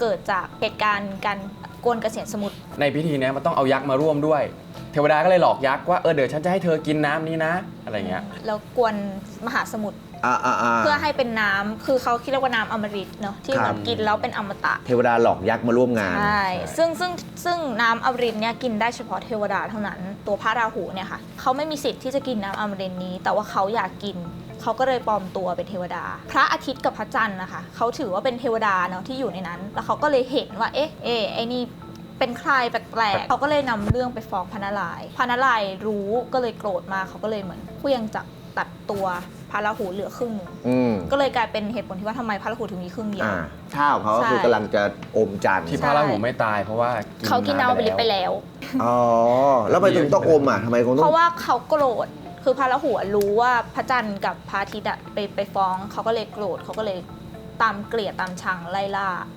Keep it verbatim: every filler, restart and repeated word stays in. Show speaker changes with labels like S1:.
S1: เกิดจากเหตุการณ์การกวนเกษียณสมุทร
S2: ในพิธีนี้มันต้องเอายักษ์มาร่วมด้วยเทวดาก็เลยหลอกยักษ์ว่าเออเดี๋ยวฉันจะให้เธอกินน้ำนี้นะอะไรเงี้ย
S1: แล้วกวนมหาสมุทรเพื่อให้เป็นน้ำคือเขาคิดว่าน้ำอมฤตเนาะที่แบบกินแล้วเป็นอมตะ
S3: เทวดาหลอกยักษ์มาร่วมงาน
S1: ใช่ซึ่งซึ่งซึ่งน้ำอมฤตเนี่ยกินได้เฉพาะเทวดาเท่านั้นตัวพระราหูเนี่ยค่ะเขาไม่มีสิทธิ์ที่จะกินน้ำอมฤตนี้ แต่ว่าเขาอยากกินเขาก็เลยปลอมตัวเป็นเทวดาพระอาทิตย์กับพระจันทร์นะคะเขาถือว่าเป็นเทวดาเนาะที่อยู่ในนั้นแล้วเขาก็เลยเห็นว่าเอ๊ะเอ๊ะไอ้นี่เป็นใครแปลกๆเขาก็เลยนำเรื่องไปฟ้องพระนารายณ์พระนารายณ์รู้ก็เลยโกรธมากเขาก็เลยเหมือนเคลื่องจักรตัดตัวพระราหูเหลือครึ่งหนึ่งก็เลยกลายเป็นเหตุผลที่ว่าทำไมพระราหูถึงมีครึ่งเดียว
S3: ท่าของเขาก็คือกำลังจะอมจันทร์
S2: ที่พระราหูไม่ตายเพราะว่า
S1: เขากินน้ำอมฤตไปแล้ว
S3: อ๋อแล้วไปถึงต้องอมอ่ะทำไมคงต้อง
S1: เพราะว่าเขาโกรธคือพระราหูรู้ว่าพระจันทร์กับพระอาทิตย์ไปไปฟ้องเขาก็เลยโกรธเขาก็เลยตามเกลียดตามชังไล่ล่า